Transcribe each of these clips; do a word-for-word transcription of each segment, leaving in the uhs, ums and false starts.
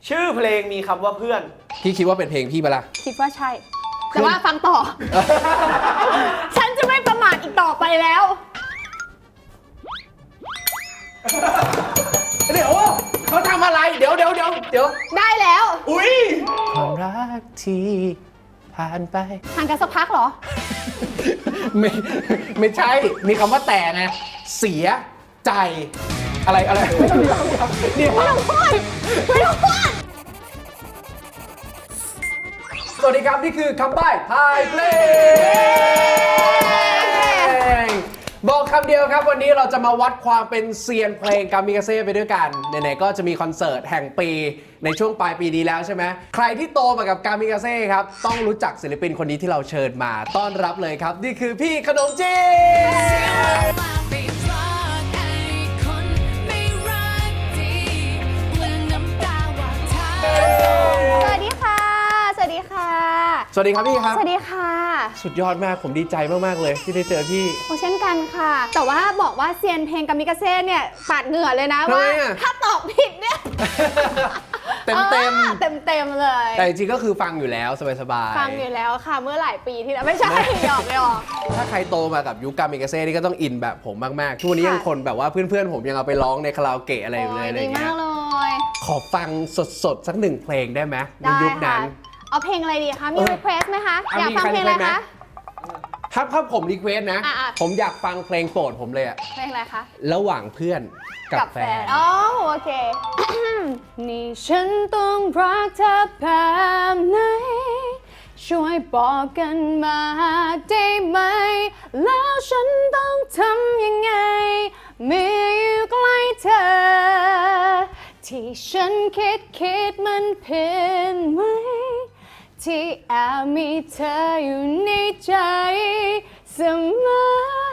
ชื่อเพลงมีคำว่าเพื่อนพี่คิดว่าเป็นเพลงพี่ปะล่ะคิดว่าใช่แต่ว่าฟังต่อ ฉันจะไม่ประมาทอีกต่อไปแล้วเดี๋ยวเขาทำอะไรเดี๋ยวเดี๋ยวเดี๋ยวเดี๋ยวได้แล้วอุ้ยความรักที่ผ่านไปห่างกันสักพักเหรอไม่ไม่ใช่มีคำว่าแต่ไงเสียใจอะไรอะไรไม่ต้องนี่ไม่ต้องพูดไม่ต้องพูดสวัสดีครับนี่คือคำใบ้ทายเพลงบอกคำเดียวครับวันนี้เราจะมาวัดความเป็นเซียนเพลงกามิกาเซ่ไปด้วยกันไหนๆก็จะมีคอนเสิร์ตแห่งปีในช่วงปลายปีนี้แล้วใช่ไหมใครที่โตมากับกามิกาเซ่ครับต้องรู้จักศิลปินคนนี้ที่เราเชิญมาต้อนรับเลยครับนี่คือพี่ขนมจีนสวัสดีค่ะสวัสดีค่ะสวัสดีครับพี่ครับสวัสดีค่ะสุดยอดมากผมดีใจมากๆเลยที่ได้เจอพี่โอ้เช่นกันค่ะแต่ว่าบอกว่าเซียนเพลงกามิกาเซ่เนี่ยปาดเหงื่อเลยนะว่าถ้าตอบผิดเนี่ยเต็มเต็มเต็มเต็มเลยแต่จริงๆก็คือฟังอยู่แล้วสบายๆฟังอยู่แล้วค่ะเมื่อหลายปีที่แล้วไม่ใช่หยอกไม่หยอกถ้าใครโตมากับยุคกามิกาเซ่นี่ก็ต้องอินแบบผมมากๆทุกวันนี้ยังคนแบบว่าเพื่อนๆผมยังเอาไปร้องในคาราโอเกะอะไรอยู่เลยอะไรเงี้ยขอฟังสดๆสักหนึ่งเพลงได้ไหมในยุคนั้นเอาเพลงอะไรดีคะมีรีเควสไหมคะอยากฟังเพลงอะไรคะถ้าถ้าผมรีเควสนะผมอยากฟังเพลงโปรดผมเลยอะเพลงอะไรคะระหว่างเพื่อนกับแฟนอ๋อโอเคนี่ฉันต้องรักเธอแบบไหนช่วยบอกกันมาได้ไหมแล้วฉันต้องทำยังไงเมื่ออยู่ใกล้เธอที่ฉันคิดคิดมันเพี้ยนไหมที่แอบมีเธออยู่ในใจเสมอ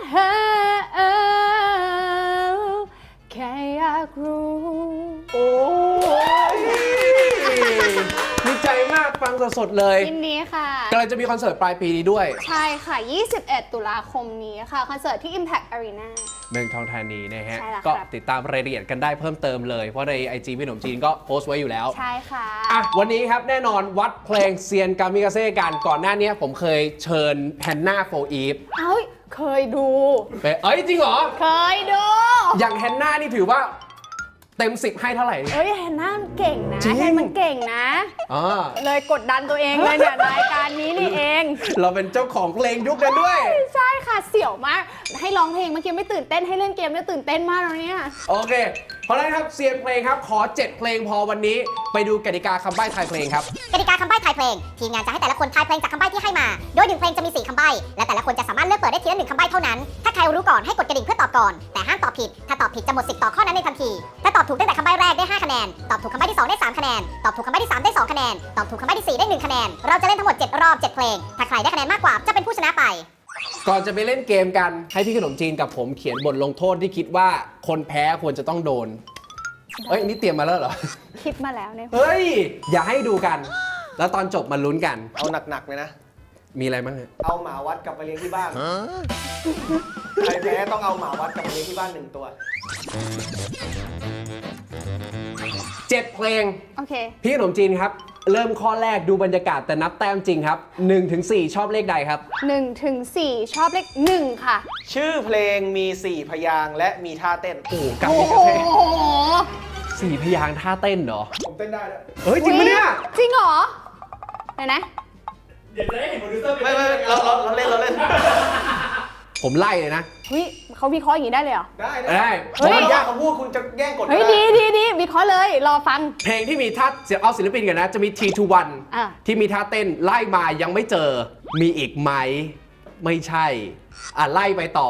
แค่อยากรู้โอ้ยดีใจมากฟังสดๆเลยยินดีค่ะกำลังจะมีคอนเสิร์ตปลายปีนี้ด้วยใช่ค่ะยี่สิบเอ็ดตุลาคมนี้ค่ะคอนเสิร์ตที่ Impact Arena เมืองทองธานีนะฮะก็ติดตามรายละเอียดกันได้เพิ่มเติมเลยเพราะใน ไอ จี พี่หนุ่มจีนก็โพสต์ไว้อยู่แล้วใช่ค่ะอ่ะวันนี้ครับแน่นอนวัดเพลงเซียนกามิกาเซ่กันก่อนหน้านี้ผมเคยเชิญแฮนนาโฟอีฟเอ้ยเคยดูเอ้ยจริงเหรอเคยดูอย่างแฮนนานี่ถือว่าเต็มสิบให้เท่าไหร่เอ้ยแฮนนาเก่งนะแฮนมันเก่งนะอ๋อเลยกดดันตัวเองเลยเนี่ยรายการนี้นี่เองเราเป็นเจ้าของเพลงยุคนั้นด้วยใช่ค่ะเสี่ยวมากให้ร้องเพลงเมื่อกี้ไม่ตื่นเต้นให้เล่นเกมเนี่ยตื่นเต้นมากแล้วเนี่ยโอเคเพราะฉะนั้นครับเซียนเพลงครับขอเจ็ดเพลงพอวันนี้ไปดูกติกาคำใบ้ทายเพลงครับกติกาคำใบ้ทายเพลงทีมงานจะให้แต่ละคนทายเพลงจากคำใบ้ที่ให้มาโดยหนึ่งเพลงจะมีสี่คำใบ้และแต่ละคนจะสามารถเลือกเปิดได้ทีละหนึ่งคำใบ้เท่านั้นถ้าใครรู้ก่อนให้กดกระดิ่งเพื่อตอบก่อนแต่ห้ามตอบผิดถ้าตอบผิดจะหมดสิทธิ์ต่อข้อนั้นในทันทีถ้าตอบถูกตั้งแต่คำใบ้แรกได้ห้าคะแนนตอบถูกคำใบ้ที่สองได้สามคะแนนตอบถูกคำใบ้ที่สามได้สองคะแนนตอบถูกคำใบ้ที่สี่ได้หนึ่งคะแนนเราจะเล่นทั้งหมดเจ็ดรอบเจ็ดเพลงถ้าใครได้คะแนนมากกว่าจะเป็นผู้ชนะไปก่อนจะไปเล่นเกมกันให้พี่ขนมจีนกับผมเขียนบทลงโทษที่คิดว่าคนแพ้ควรจะต้องโดนเอ้ยนี่เตรียมมาแล้วเหรอคิดมาแล้วเนี่ยเฮ้ยอย่าให้ดูกันแล้วตอนจบมาลุ้นกันเอาหนักๆเลยนะมีอะไรบ้างฮะเอาหมาวัดกลับไปเลี้ยงที่บ้านใครแพ้ต้องเอาหมาวัดกลับไปเลี้ยงที่บ้านหนึ่งตัวเจ็ดเพลงโอเคพี่ขนมจีนครับเริ่มข้อแรกดูบรรยากาศแต่นับแต้มจริงครับหนึ่งถึงสี่ชอบเลขใดครับหนึ่งถึงสี่ชอบเลขหนึ่งค่ะชื่อเพลงมีสี่พยางค์และมีท่าเต้นโอ้กามิกาเซ่สี่พยางค์ท่าเต้นเหรอผมเต้นได้แล้วเฮ้ยจริงปะเนี่ยจริงเหรอไหนนะเดี๋ยวจะได้เห็นโปรดิวเซอร์ไม่ไม่เราเราเราเล่นเราเล่นผมไล่เลยนะเฮ้ยเขาวิเคราะห์อย่างนี้ได้เลยเหรอได้ได้เฮ้ยยากเขาพูดคุณจะแย่งกดเฮ้ยดีดีดีวิเคราะห์เลยรอฟังเพลงที่มีท่าเอาศิลปินกันนะจะมี ที ทู วัน ที่มีท่าเต้นไล่มายังไม่เจอมีอีกไหมไม่ใช่อ่ะไล่ไปต่อ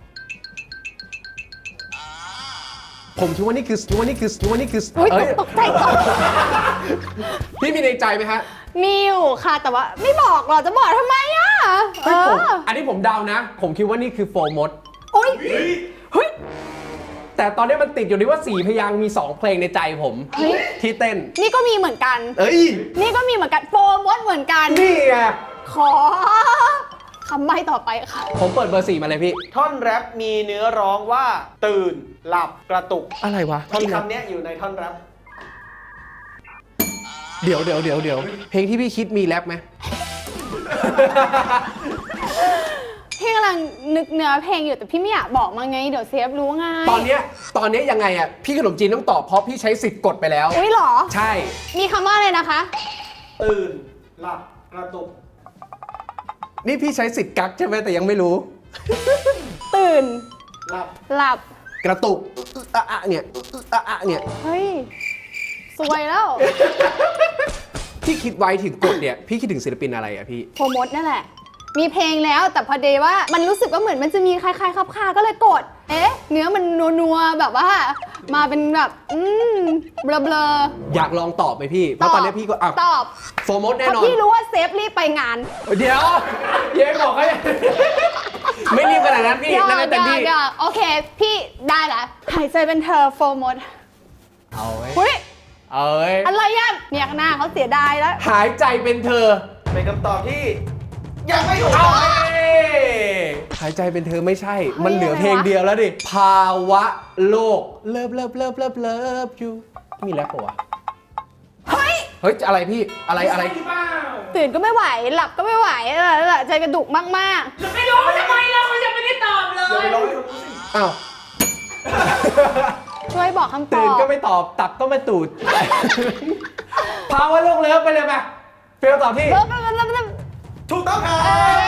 ผมคิดว่านี่คือคิดว่านี่คือคิดว่านี่คือเฮ้ยตกใจตกพี่มีในใจไหมฮะมีอยู่ค่ะแต่ว่าไม่บอกหรอจะบอกทำไมอ่ะเอออันนี้ผมเดานะผมคิดว่านี่คือโฟมดโอ้ยเฮ้ยแต่ตอนนี้มันติดอยู่ที่ว่าสี่พยางค์มีสองเพลงในใจผมที่เต้นนี่ก็มีเหมือนกันเอ้ยนี่ก็มีเหมือนกันโฟมดเหมือนกันนี่ไงขอคำใบ้ต่อไปค่ะผมเปิดเบอร์สี่มาเลยพี่ท่อนแรปมีเนื้อร้องว่าตื่นหลับกระตุกอะไรวะท่อนคำนี้อยู่ในท่อนแรปเดี๋ยวเดี๋ยวเดี๋ยวเดี๋ยวเพลงที่พี่คิดมีแรปไหมพี่กำลังนึกเนื้อเพลงอยู่แต่พี่ไม่อยากบอกมาไงเดี๋ยวเซฟรู้ไงตอนเนี้ยตอนเนี้ยยังไงอ่ะพี่ขนมจีนต้องตอบเพราะพี่ใช้สิทธิ์กดไปแล้วอุ้ยเหรอใช่มีคำว่าอะไรนะคะตื่น หลับ กระตุกนี่พี่ใช้สิทธิ์กักใช่ไหมแต่ยังไม่รู้ตื่นหลับหลับกระตุกอึ๊ะอะอะเนี่ยอึ๊ะอะอะเนี่ยเฮ้ยสวยแล้วที่คิดไว้ถึงกดเนี่ยพี่คิดถึงศิลปินอะไรอ่ะพี่โปรโมทนั่นแหละ มีเพลงแล้วแต่พอดีว่ามันรู้สึกว่าเหมือนมันจะมีคล้ายๆคับคาก็เลยกด เอ๊ะ เนื้อมันนัวๆแบบว่า มาเป็นแบบ อืมเบลออยากลองตอบไหมพี่ๆเพราะตอนนี้พี่ก็อ่ะตอบโฟร์โมดแน่ถ้านอนพี่รู้ว่าเซฟรีบไปงานเดี๋ยวเย้บอกให้ ไม่รีบขนาดนั้นพี่เดี๋ยวนั่นเป็นเต็มที่เดี๋ยวโอเค พี่ได้ละหายใจเป็นเธอโฟร์โมดเอาไว้เฮ้ยเอ้ยอะไรอ่ะเนี่ยหน้าเขาเสียดายแล้วหายใจเป็นเธอเป็นคำตอบที่ยังไม่ถูกเอาหายใจเป็นเธอไม่ใช่ มันเหลือเพลงเดียวแล้วดิ ภาวะโลก เลิฟเลิฟเลิฟเลิฟเลิฟอยู่มีแรปปะวะเฮ้ยเฮ้ย อะไรพี่ อะไรอะไรตื่นก็ไม่ไหว หลับก็ไม่ไหวเออใจกระดุกมากอย่าไปร้องให้เขารู้สิอ้าวๆ ช่วยบอกคำตอบตื่นก็ไม่ตอบ ตับก็ไม่ตูด ภาวะโลกเลิฟไปเลยไหมเฟลตอบที่เลิฟเลิฟเลิฟเลิฟถูกต้องครับ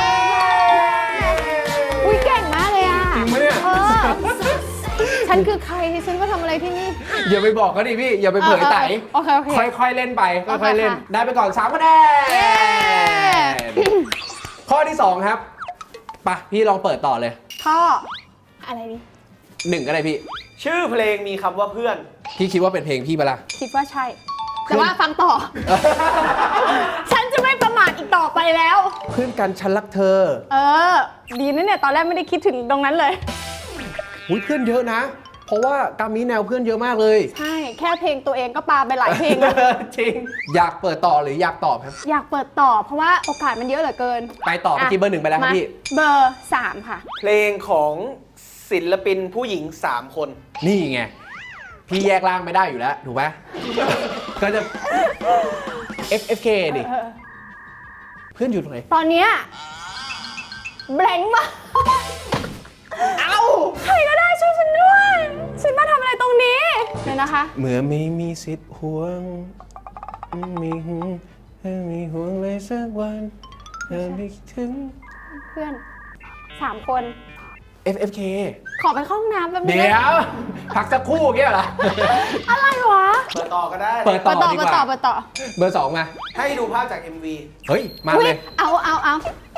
อุ้ยเก่งมากเลยอ่ะจริงปะเนี่ยออฉันคือใครฉันมาทำอะไรที่นี่อย่าไปบอกเขาดิพี่ อย่าไปเผยไตเออเออโอเคโอเคค่อยๆเล่นไปโอเคค่อยๆเล่นค่ะได้ไปก่อนสามคะแนเย้น ข้อที่สองครับไปะพี่ลองเปิดต่อเลยข้ออะไรนี่หนึ่งก็ได้พี่ชื่อเพลงมีคำว่าเพื่อนพี่คิดว่าเป็นเพลงพี่ปะล่ะคิดว่าใช่ แต่ว่าฟังต่อ ฉันจะไม่ประมาทอีกต่อไปแล้วเพื่อนกันฉันรักเธอเออ ดีนะเนี่ยตอนแรกไม่ได้คิดถึงตรงนั้นเลยอุ้ยเพื่อนเยอะนะ เพราะว่ากามีแนวเพื่อนเยอะมากเลยใช่ แค่เพลงตัวเองก็ปาไปหลายเพลงแล้วจริง อยากเปิดต่อหรืออยากตอบครับอยากเปิดต่อเพราะว่าโอกาสมันเยอะเหลือเกินไปต่อเมื่อกี้เบอร์หนึ่งไปแล้วครับมาพี่เบอร์สามค่ะเพลงของศิลปินผู้หญิงสามคนนี่ไง พี่แยกร่างไม่ได้อยู่แล้ว ถูกไหม ก็จะ เอฟ เอฟ เค ดิเออเพื่อนอยู่ตรงไหนตอนเนี้ยแบงค์มากเอ้าใครก็ได้ช่วยฉันด้วย ฉันมาทำอะไรตรงนี้เดี๋ยวนะคะเมื่อไม่มีสิทธิ์ห่วงมีห่วงมีห่วงเลยสักวันเธอไม่คิดถึงเพื่อนสามคนเอฟ เอฟ เคขอไปเข้าห้องน้ำแป๊บนึงเดี๋ยว พักสักครู่เงี้ยเหรออะไรวะเปิดต่อก็ได้เปิดต่เปิอดต่อดีเปิกดต่อว่าเปิดต่อเบอร์สองมาให้ดูภาพจาก เอ็ม วีเฮ้ย มาอุ๊เลยเอาเอาเอา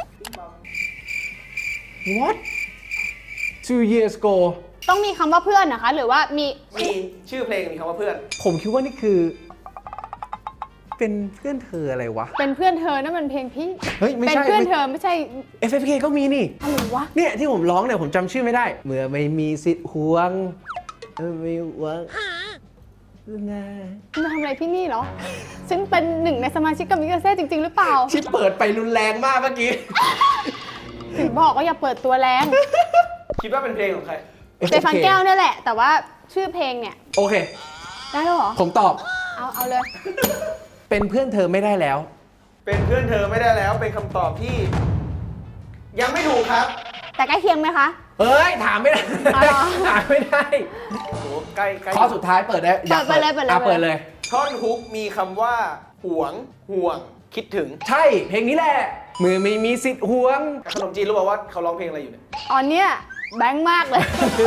what two years ago ต้องมีคำว่าเพื่อนนะคะ หรือว่ามีมีชื่อเพลงมีคำว่าเพื่อนผมคิดว่านี่คือ เป็นเพื่อนเธออะไรวะเป็นเพื่อนเธอนั่นมันเพลงพี่เฮ้ย ไม่เป็นใช่เพื่อนเธอไม่ใช่เอฟ เอฟ เค ก็มีนี่อะไรวะเนี่ยที่ผมร้องเนี่ยผมจำชื่อไม่ได้ เมื่อไม่มีสิทธิ์ห่วงเออไม่หวังนะคุณมาทำอะไรที่นี่เหรอ ฉันเป็นหนึ่งในสมาชิกกัมมิกาเซ่จริง ๆ หรือเปล่าที่เปิดไปรุนแรงมากเมื่อกี้ถึงบอกว่าอย่าเปิดตัวแรงคิดว่าเป็นเพลงของใครเจฟันแก้วเนี่ยแหละ แต่ว่าชื่อเพลงเนี่ยโอเคได้แล้วเหรอผมตอบเอาเอาเลยเป็นเพื่อนเธอไม่ได้แล้วเป็นเพื่อนเธอไม่ได้แล้วเป็นคำตอบที่ ยังไม่ถูกครับแต่ใกล้เคียงไหมคะเอ้ย ถามไม่ได้อ๋อเหรอถามไม่ได้โอ้ใกล้ใกล้ข้อสุดท้ายเปิดได้อยากเปิดไปเลยเปิดเลยอ่ะเปิดเลยท่อนฮุกมีคำว่า หวง ห่วง คิดถึงใช่ เพลงนี้แหละ มือไม่มีสิทธิ์ห่วงขนมจีนรู้ป่าวว่าเขาร้องเพลงอะไรอยู่เนี่ยตอนเนี้ยแบงค์มากเลย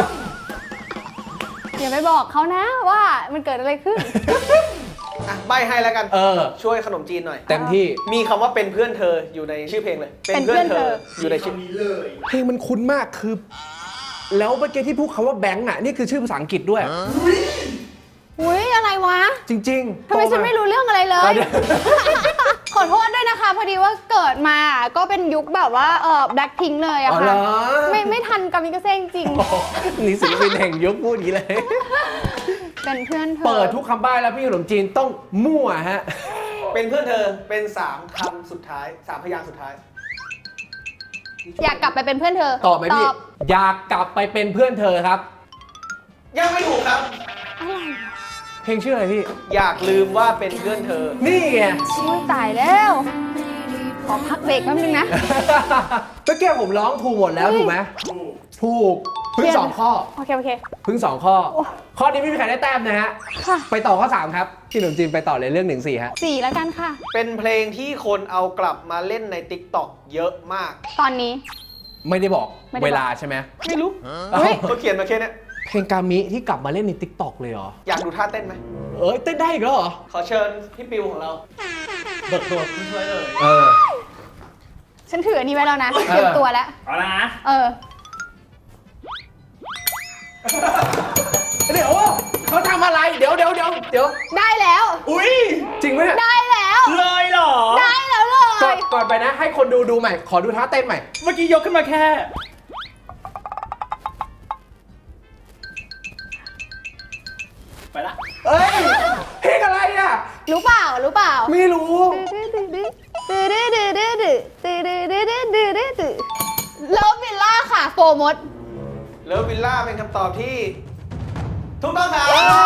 อย่าไปบอกเขานะว่ามันเกิดอะไรขึ้นอ่ะใบให้แล้วกันเออช่วยขนมจีนหน่อยเต็มที่มีคำว่าเป็นเพื่อนเธออยู่ในชื่อเพลงเลยเป็นเพื่อนเธออยู่ในชื่อเพลงมันคุ้นมากคือ แล้วเมื่อกี้ที่พูดคำว่าแบงค์อ่ะ นี่คือชื่อภาษาอังกฤษด้วยอุ้ยอะไรวะจริงๆทำไมฉันไม่รู้เรื่องอะไรเลเอย อเดี๋ยวขอโทษด้วยนะคะ พอดีว่าเกิดมาก็เป็นยุคแบบว่าเออแบล็คพิงเลยอะอ๋อเหรค่ะอไม่ไม่ทันกามิกาเซ่จริงโอ้โหนี่ศิลปินแห่งยุคพูดอย่างนี้เลยเป็นเพื่อนเธอเปิดทุกคำใบ้แล้วพี่ขนมจีนต้องมั่วฮะเป็นเพื่อนเธอเป็นสามคำสุดท้ายสามพยางค์สุดท้ายอยากกลับไปเป็นเพื่อนเธอตอบไหมพี่ อยากกลับไปเป็นเพื่อนเธอครับยังไม่ถูกครับอะไรวะเพลงชื่ออะไรพี่อยากลืมว่าเป็นเพื่อนเธอนี่ไงอุ้ยตายแล้ว ขอพักเบรกแป๊บนึงนะเมื่อกี้ผมร้องถูกหมดแล้วถูกไหมถูกเพิ่งสองข้อโอเค โอเคเพิ่งสองข้อโอ้ข้อนี้ไม่มีใครได้แต้มนะฮะค่ะไปต่อข้อสามครับพี่หนุ่มจีนไปต่อเลยเรื่องหนึ่งสี่ฮะสี่แล้วกันค่ะเป็นเพลงที่คนเอากลับมาเล่นใน ติ๊กต็อก เยอะมากตอนนี้ไม่ได้บอกไม่ได้บอกเวลาใช่ไหมไม่รู้เอ้าเขาเขียนมาแค่เนี้ยเพลงกามิที่กลับมาเล่นใน ติ๊กต็อก เลยเหรออยากดูท่าเต้นไหมเอ้ยเต้นได้อีกแล้วเหรอขอเชิญพี่ปิวของเราเบิกตัวผู้ช่วยเลยเออฉันถืออันนี้ไว้แล้วนะ เตรียมตัวแล้วเอาละนะเออเดี๋ยวเขาทำอะไรเดี๋ยวเดี๋ยวเดี๋ยวเดี๋ยวได้แล้วอุ้ยจริงไหมเนี่ยได้แล้วเลยเหรอได้แล้วเลก่อนยก่อนไปนะให้คนดูดูใหม่ ขอดูท่าเต้นใหม่เมื่อกี้ยกขึ้นมาแค่ ไปละเอ้ยเพลงอะไรอ่ะรู้เปล่า รู้เปล่าไม่รู้เลิฟวิลล่าค่ะโฟมดเลิฟวิลล่าเป็นคำตอบที่ถูกต้องครับ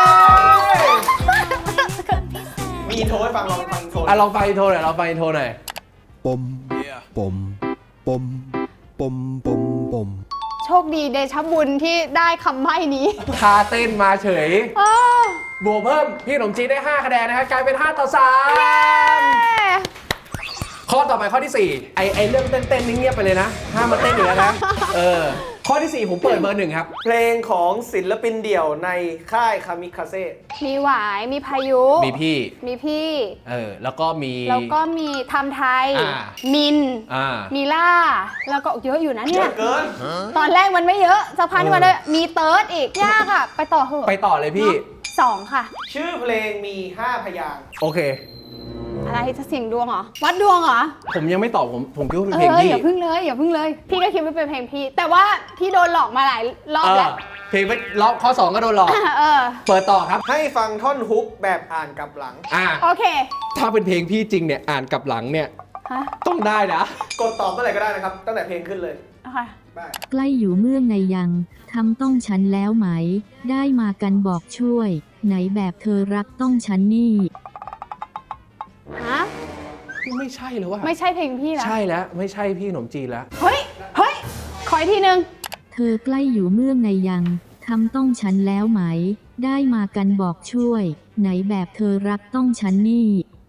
มีอินโทรให้ฟังลองฟังอินโทรอ่ะลองฟังอินโทรหน่อยลองฟังอินโทรหน่อยปมปมปมปมปมปมโชคดีเดชะบุญที่ได้คำใบ้นี้ท่าเต้นมาเฉยอ้าวบวกเพิ่มพี่ขนมจีนได้ห้าคะแนนนะครับกลายเป็นห้าต่อสาม ข้อต่อไปข้อที่สี่ไอไอเรื่องเต้นๆนี่เงียบไปเลยนะห้ามมาเต้นอีกแล้วนะเออข้อที่สี่ผมเปิดเบอร์หนึ่งครับเพลงของศิลปินเดี่ยวในค่ายคามิคาเซ่มีหวาย มีพายุมีพี่มีพี่เออแล้วก็มีแล้วก็มีทำไทยอ่ามินอ่ามีล่า แล้วก็เยอะอยู่นะเยเนี่ยอะเกินตอนแรกมันไม่เยอะสักพักนึงมันได้มีเติร์ดอีก ยากอ่ะ ไปต่อเหอะไปต่อเลยพี่สองค่ะชื่อเพลงมีห้าพยางค์โอเคอะไรจะเสี่ยงดวงเหรอ วัดดวงเหรอผมยังไม่ตอบผมผมคิดว่าเป็นเอเพลงอพี่อย่าพึ่งเลยอย่าพึ่งเลย พี่ก็คิดว่าเป็นเพลงพี่ แต่ว่าพี่โดนหลอกมาหลายรอบเออแล้วเพลงไปรอบข้อสองก็โดนหลอกเออเปิดต่อครับให้ฟังท่อนฮุกแบบอ่านกลับหลังอ่าโอเคถ้าเป็นเพลงพี่จริงเนี่ยอ่านกลับหลังเนี่ยฮะต้องได้นะกดตอบเมื่อไหร่ก็ได้นะครับ ตั้งแต่เพลงขึ้นเลยโอเคได้ใกล้อยู่เมื่องในยังทำต้องฉันแล้วไหม ได้มากันบอกช่วย ไหนแบบเธอรักต้องฉันนี่ฮะไม่ใช่เลยว่ะไม่ใช่เพลงพี่แล้วใช่แล้วไม่ใช่พี่ขนมจีนแล้วเฮ้ย เฮ้ย ขออีกทีนึงเธอใกล้อยู่เมื่องในยังทำต้องฉันแล้วไหม ได้มากันบอกช่วย ไหนแบบเธอรักต้องฉันนี่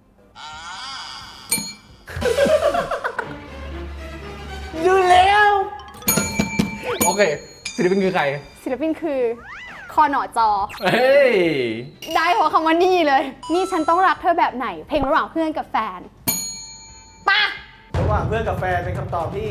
ดูแล้ว โอเคศิลปินคือใครศิลปินคือคอหนอจอเฮ้ยได้เพราะคำว่านี่เลย นี่ฉันต้องรักเธอแบบไหน เพลงระหว่างเพื่อนกับแฟนป่ะระหว่างเพื่อนกับแฟนเป็นคำตอบที่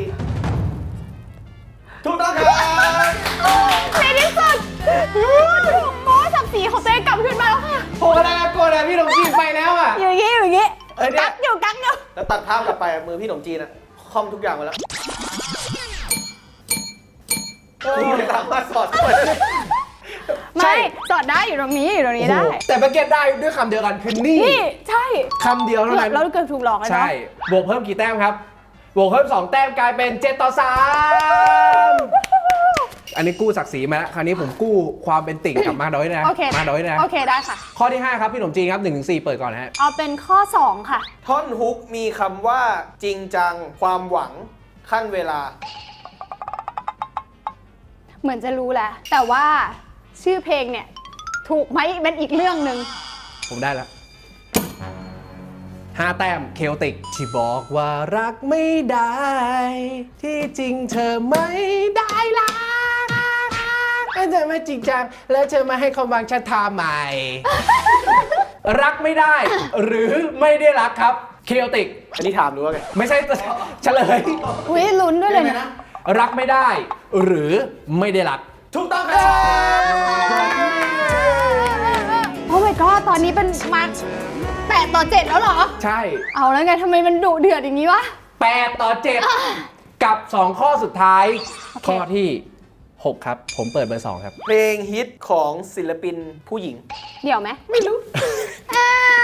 ถูกต้องครับในที่สุดโม้สับสีของตัวเองกลับขึ้นมาแล้วค่ะโหอะไรกันกดอะพี่ขนมจีนไปแล้วอะอยู่อย่างงี้อยู่อย่างงี้เออเนี่ยกักอยู่กักอยู่แล้วตัดภาพกลับไปมือพี่หนมจีนอะคอมทุกอย่างมาแล้วไม่สามารถสอดเข้าไปได้ไม่สอดได้อยู่ตรงนี้อยู่ตรงนี้ได้โอ้โหแต่เมื่อกี้ได้ด้วยคำเดียวกันคือนี่นี่ใช่คำเดียวเท่านั้นเราเกือบถูกหลอกเลยเนาะใช่ บวกเพิ่มกี่แต้มครับ บวกเพิ่มสองแต้มกลายเป็นเจ็ดต่อสามอันนี้กู้ศักดิ์ศรีมาแล้ว คราวนี้ผมกู้ความเป็นติ่งกลับมาด้อยนะโอเคมาด้อยนะโอเคได้ค่ะข้อที่ห้าครับพี่หนมจีนครับหนึ่งถึงสี่เปิดก่อนนะฮะเอาเป็นข้อสองค่ะท่อนฮุกมีคำว่าจริงจังความหวังขั้นเวลาเหมือนจะรู้แหละ แต่ว่าชื่อเพลงเนี่ย ถูกไหมเป็นอีกเรื่องหนึ่งผมได้แล้วห้าแต้มเคลติกที่บอกว่ารักไม่ได้ ที่จริงเธอไม่ได้รักเธอไม่จริงจังแล้วเธอมาให้ความหวังฉันทำไม รักไม่ได้ หรือไม่ได้รักครับเคลติกอันนี้ถามหรือว่าไงไม่ใช่เฉลยอุ้ยลุ้นด้วยเลยเนี่ยรักไม่ได้ หรือไม่ได้รักถูกต้องครับโอ้ my god ตอนนี้เป็นมาแปดต่อเจ็ดแล้วเหรอใช่เอาแล้วไงทำไมมันดุเดือดอย่างนี้วะแปดต่อเจ็ดกับสองข้อสุดท้ายโอเคข้อที่หกครับ ผมเปิดเบอร์สองครับเพลงฮิตของศิลปินผู้หญิงเดี๋ยวไหม ไม่รู้ อ้าว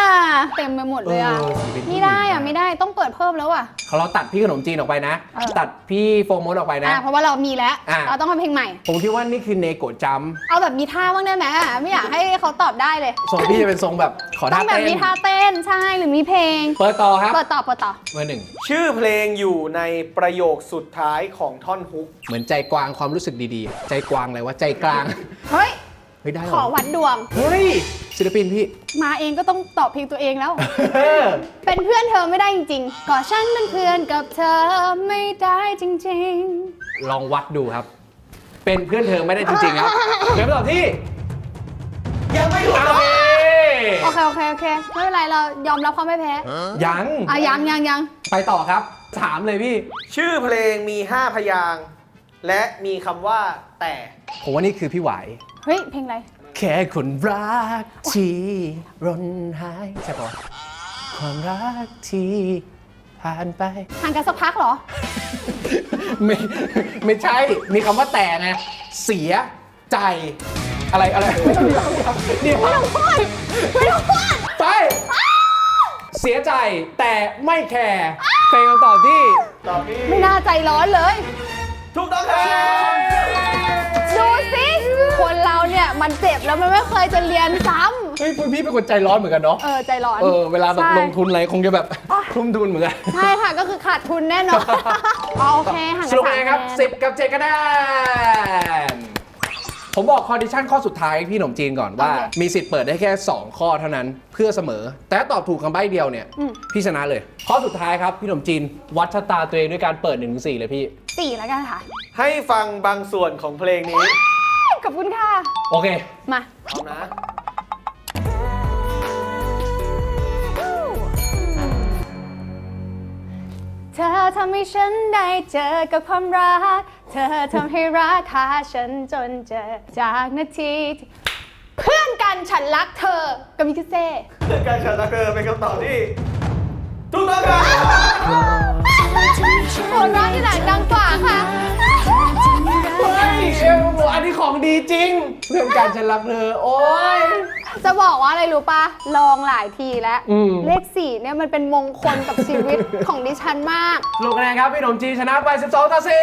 เต็มไปหมดเลยอ่ะเออศิลปินไม่ได้อ่ะไม่ได้ต้องเปิดเพิ่มแล้วอ่ะเขาเราตัดพี่ขนมจีนออกไปนะเออตัดพี่โฟร์โมดออกไปนะอ่ะเพราะว่าเรามีแล้วอ่ะเราต้องทำเพลงใหม่ผมคิดว่านี่คือเนโกะจัมป์เอาแบบมีท่าบ้างได้ไหมไม่อยากให้เขาตอบได้เลยทรงพี่จะเป็นทรงแบบขอต้ท่าองแบบเต้นมีท่าเต้นใช่หรือมีเพลงเปิดต่อครับเปิดต่อเปิดต่อเบอร์หนึ่งชื่อเพลงอยู่ในประโยคสุดท้ายของท่อนฮุกเหมือนใจกวางความรู้สึกดีๆ ใจกวางอะไรวะใจกลางเฮ้ยเฮ้ยได้เหรขอวัดดวงเฮ้ยศิลปินพี่มาเองก็ต้องตอบเพลงตัวเองแล้ว เป็นเพื่อนเธอไม่ได้จริงๆก็ฉันเป็นเพื่อนกับเธอไม่ได้จริงลองวัดดูครับ เป็นเพื่อนเธอไม่ได้จริงๆครับเดี๋ยวตอบที่ยังไม่ถูกโอต้องเคๆ โอเคโอเคโอเคไม่เป็นไรเรายอมรับความไม่แพ้ยังอ่ะยังยังยังไปต่อครับ ถามเลยพี่ชื่อเพลงมีห้าพยางค์และมีคำว่าแต่ผมว่านี่คือพี่ไหวเฮ้ยเพลงอะไรแค่คนรักที่ร่นหายใช่ปะความรักที่ผ่านไปห่างกันสักพักเหรอไม่ไม่ใช่ มีคำว่าแต่ไง เสียใจ อะไรอะไรเดี๋ยวไม่ต้องพูดไม่ต้องพูดไป เสียใจแต่ไม่แคร์เป็นคำตอบที่ตอบที่ไม่น่าใจร้อนเลยถูกต้องครับดูสิคนเราเนี่ยมันเจ็บแล้วมันไม่เคยจะเรียนซ้เฮ้ยพี่เป็นคนใจร้อนเหมือนกันเนาะำเออใจร้อนเออเวลาแบบใช่ลงทุนอะไรคงจะแบบทุ่มทุนเหมือนกันใช่ค่ะก็คือขาดทุนแน่นอนอ๋อโอเคห่างสกันรุปสามไงครับคะแนนสิบกับเจ็ดคะแนนผมบอกคอนดิชันข้อสุดท้ายพี่หนมจีนก่อนว่า มีสิทธิ์เปิดได้แค่ สอง ข้อเท่านั้นเพื่อเสมอ แต่ถ้าตอบถูกคำใบ้เดียวเนี่ย พี่ชนะเลย ข้อสุดท้ายครับ พี่หนมจีน วัดชะตาตัวเองด้วยการเปิดหนึ่งถึงสี่เลยพี่สี่แล้วกันค่ะให้ฟังบางส่วนของเพลงนี้ขอบคุณค่ะโอเคมาพร้อมนะเธอทำให้ฉันได้เจอกับความรัก เธอทำให้รักหาฉันจนเจอจากนาทีที่เพื่อนกันฉันรักเธอกับมิคาเซ่การฉันรักเธอเป็นคำตอบที่ถูกต้องครับหัวเราะที่ไหนดังกว่าค่ะเฮ้ยเอวอันนี้ของดีจริง เพื่อนการฉันรักเธอ โอ้ยจะบอกว่าอะไรรู้ปะลองหลายทีแล้วอืมเลขสี่เนี่ยมันเป็นมงคลกับชีวิตของดิฉันมากสรุปคะแนนครับ พี่หนมจีนชนะไป สิบสอง ต่อ สี่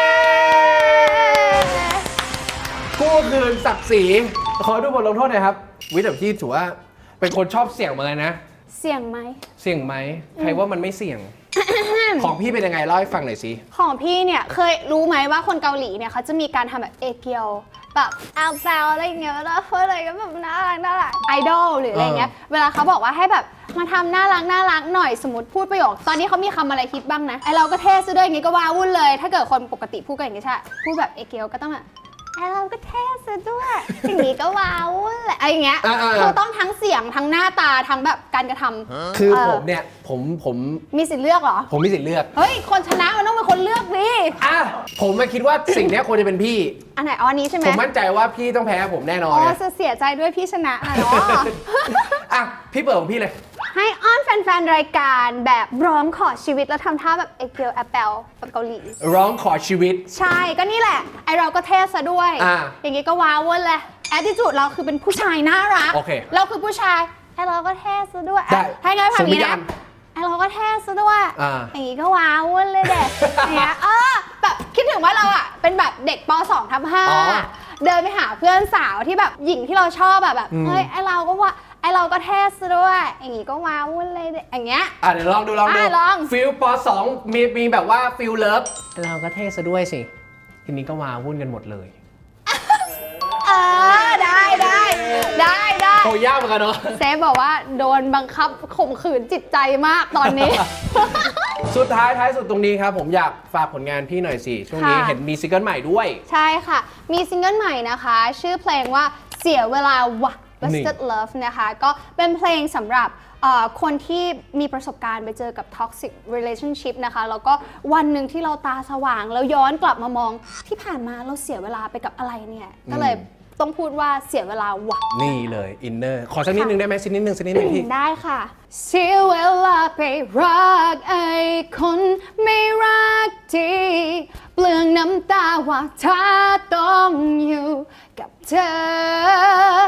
กู้คืนศักดิ์ศรีขอดูบทลงโทษหน่อยครับ วิทย์แบบที่ถือว่าเป็นคนชอบเสี่ยงเหมือนกันนะเสี่ยงไหมเสี่ยงไหม ใครว่ามันไม่เสี่ยง ของพี่เป็นยังไงเล่าให้ฟังหน่อยสิของพี่เนี่ยเคยรู้ไหมว่าคนเกาหลีเนี่ยเขาจะมีการทำแบบเอเกียวแบบอัลแซวอะไรอย่างเงี้ยแล้วพูดอะไรก็แบบน่ารักน่ารักไอดอลหรืออะไรเงี้ยเวลาเขาบอกว่าให้แบบมาทำน่ารักน่ารักหน่อยสมมติพูดประโยคตอนนี้เขามีคำอะไรฮิตบ้างนะไอเราก็เท่ซะด้วยอย่างงี้ก็ว้าวุ่นเลย ถ้าเกิดคนปกติพูดกันอย่างงี้ใช่พูดแบบเอเกียวก็ต้องแบบไอเราก็เท่ซะด้วยอย่างงี้ก็ว้าวุ่นแหละอะไรอย่างเงี้ยอ่าๆคือต้องทั้งเสียงทั้งหน้าตาทั้งแบบการกระทำคือเออผมเนี่ย ผมผมมีสิทธิ์เลือกเหรอผมมีสิทธิ์เลือกเฮ้ยคนชนะมันต้องเป็นคนเลือกดิอ่ะ ผมไม่คิดว่าสิ่งเนี้ยควรจะเป็นพี่อันไหนอ๋ออันนี้ใช่ไหมผมมั่นใจว่าพี่ต้องแพ้ผมแน่นอนอ๋อเลยจะเสียใจด้วยพี่ชนะนะเนาะอ่ะ พี่เปิดของพี่เลยให้อ้อนแฟนๆ รายการแบบร้องขอชีวิตแล้วทำท่าแบบเอเกียวแอปเปิลแบบเกาหลีร้องขอชีวิตใช่ก็นี่แหละ ไอเราก็เท่ซะด้วยอ่าอย่างงี้ก็ว้าวเว้นเลยแอดดิจูดเราคือเป็นผู้ชายน่ารักโอเคเราคือผู้ชายไอเราก็เท่ซะด้วยได้อ่ะให้ไงผ่านนี้ส่งวิญญานะณไอเราก็เท่ซะด้วยอ่าอย่างงี้ก็ว้าวเว้นเลยเด็กอย่างเงี้ยเออแบบคิดถึงว่าเราอ่ะเป็นแบบเด็กป สองทับห้าอ๋อเดินไปหาเพื่อนสาวที่แบบหญิงที่เราชอบแบบแบบอืมเฮ้ยไอเราก็ว่าไอเราก็เท่ซะด้วยอย่างงี้ก็ว้าวเว้นเลยเด็กอย่างเงี้ยอ่ะเดี๋ยวลองดูลองดูอ่ะลองฟิลปสองมีมีแบบว่าฟิลเลิฟเราก็เท่ซะด้วยสิ ทีนี้ก็มาวุ่นกันหมดเลยเออได้ได้ได้ได้โอ้ยากเหมือนกันเนาะเซฟบอกว่าโดนบังคับข่มขืนจิตใจมากตอนนี้สุดท้ายท้ายสุดตรงนี้ครับ ผมอยากฝากผลงานพี่หน่อยสิ ช่วงนี้ค่ะเห็นมีซิงเกิลใหม่ด้วยใช่ค่ะ มีซิงเกิลใหม่นะคะ ชื่อเพลงว่าเสียเวลาวะนี่ Wasted Love นะคะ ก็เป็นเพลงสำหรับเอ่อคนที่มีประสบการณ์ไปเจอกับ toxic relationship นะคะ แล้วก็วันหนึ่งที่เราตาสว่าง แล้วย้อนกลับมามองที่ผ่านมาเราเสียเวลาไปกับอะไรเนี่ย ก็เลยต้องพูดว่าเสียเวลาวะนี่เลยอินเนอร์ขอสักนิดนึงได้ไหมสักนิดนึงสักนิดนึงพี่ได้ค่ะเสียเวลาไปรักไอ้คนไม่รักดีเปลืองน้ำตาว่าถ้าต้องอยู่กับเธอ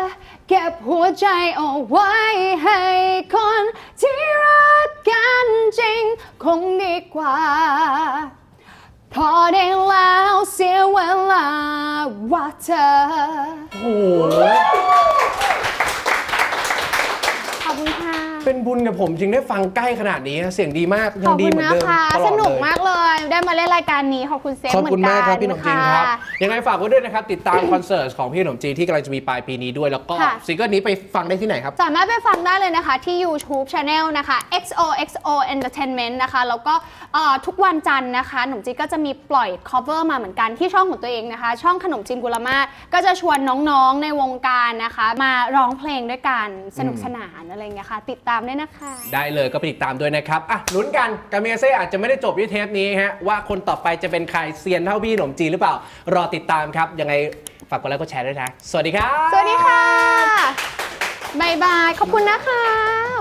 เก็บหัวใจเอาไว้ให้คนที่รักกันจริงคงดีกว่าพอได้แล้วเสียเวลาว่าเธอโอ้โหขอบคุณค่ะเป็นบุญกับผมจริงได้ฟังใกล้ขนาดนี้เสียงดีมากขยัอง บดีคุเหณมือนนะเดิมคะตลอสดนุกเลยมากเลย ได้มาเล่นรายการนี้ขอบคุณเซฟขอบเหมืคุอณนกัมากนครับพี่หนมจีนครับะยังไงฝากไว้ด้วยนะครับ ติดตามคอนเสิร์ตของพี่หนมจีนที่กำลังจะมีปลายปีนี้ด้วย แล้วก็ค่ะซิงเกิลนี้ไปฟังได้ที่ไหนครับสามารถไปฟังได้เลยนะคะที่ YouTube Channel นะคะ เอ็กซ์ โอ เอ็กซ์ โอ Entertainment นะคะแล้วก็เอ่อทุกวันจันทร์นะคะหนมจีนก็จะมีปล่อย cover มาเหมือนกันที่ช่องของตัวเองนะคะ ช่องขนมจีนกุลมาศก็จะชวนน้องๆในวงการนะคะ มาร้องเพลงด้วยกันสนุกสนานอะไรอย่างเงี้ยค่ะติดตามได้นะคะได้เลยก็ไปติดตามด้วยนะครับอ่ะลุ้นกันกามิกาเซ่อาจจะไม่ได้จบที่เทปนี้ฮะว่าคนต่อไปจะเป็นใครเซียนเท่าพี่หนมจีนหรือเปล่ารอติดตามครับยังไงฝากกดไลค์กดแชร์ด้วยนะสวัสดีครับสวัสดีค่ะบ๊ายบายขอบคุณนะคะ